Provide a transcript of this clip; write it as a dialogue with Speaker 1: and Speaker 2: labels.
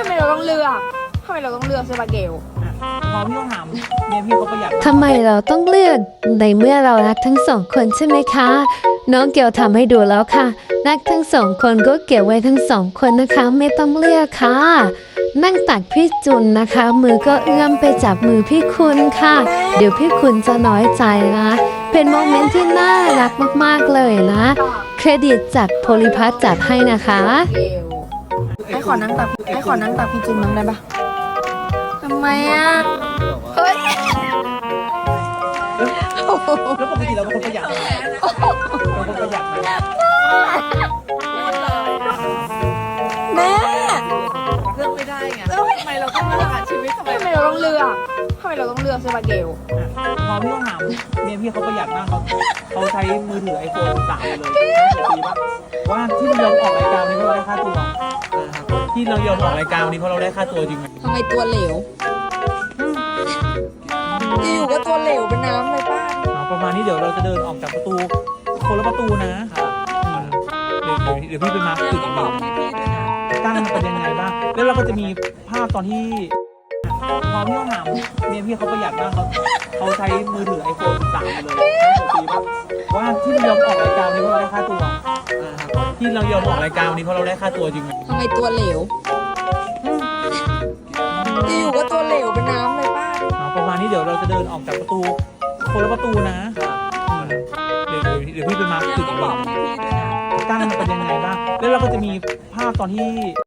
Speaker 1: ทำไมเราต้องเลือกทำไมเราต้องเลือกเซบาเกล
Speaker 2: พอพี่ต้องถามเมียพี่เขาประหยัด
Speaker 3: ทำไมเราต้องเลือกในเมื่อเรารักทั้งสองคนใช่ไหมคะ น้องเกียวทำให้ดูแล้วค่ะรักทั้งสองคนก็เก็บไว้ทั้งสองคนนะคะ ไม่ต้องเลือกค่ะ นั่งตักพี่จุนนะคะ มือก็เอื้อมไปจับมือพี่คุณค่ะ เดี๋ยวพี่คุณจะน้อยใจนะเป็นโมเมนต์ที่น่ารักมากๆเลยนะ เครดิตจากโพลิพัทจัดให้นะคะ
Speaker 1: ไอ้ขอนั่งตักพี่จุนมั้งได้ปะทำไมอ่ะเฮ้ย
Speaker 2: แล้วปกติเราเป็นคนประหยัดไหมเราเป็นคนประหยัดไหม
Speaker 1: แม่
Speaker 4: เลือกไม่ได้ไงทำไมเราต้องเลือกอ่ะชีวิตทำไม
Speaker 1: ทำไมเราต้องเลือกเซบาเกล
Speaker 2: พอพี่ต้องถามเมียพี่เขาประหยัดมากเขาใช้มือถือ iPhone 3เลยปีป่ะว่าที่เรายอมออกรายการนี้เพราะเราได้ค่าตัวที่เรายอมออกรายการนี้เพราะเราได้ค่าตัวจริงไหม
Speaker 1: ทำไมตัวเหลวอยู่ก็ตัวเหลวเป็นน้ำเลยป้า
Speaker 2: ประมาณนี้เดี๋ยวเราจะเดินออกจากประตูคนละประตูนะเดี๋ยวพี่ไปมาร์คจุดอีกหนึ่งกั้นเป็นยังไงบ้างแล้วเราก็จะมีภาพตอนที่พอพี่ต้องถามเมียพี่เขาประหยัดมากเขาใช้มือถือ iPhone 3เลยปีป่ะว่าที่เรายอมออกรายการนี้เพราะเราได้ค่าตัวที่เรายอมออกรายการนี้เพราะเราได้ค่าตัวจริงไหม
Speaker 1: ทำไมตัวเหลวอยู่ก็ตัวเหลวเป็นน้ำเลยป้า
Speaker 2: ประมาณนี้เดี๋ยวเราจะเดินออกจากประตูคนละประตูนะเดี๋ยวพี่ไปมาร์คจุดอีกหนึ่งกั้นเป็นยังไงบ้างแล้วเราก็จะมีภาพตอนที่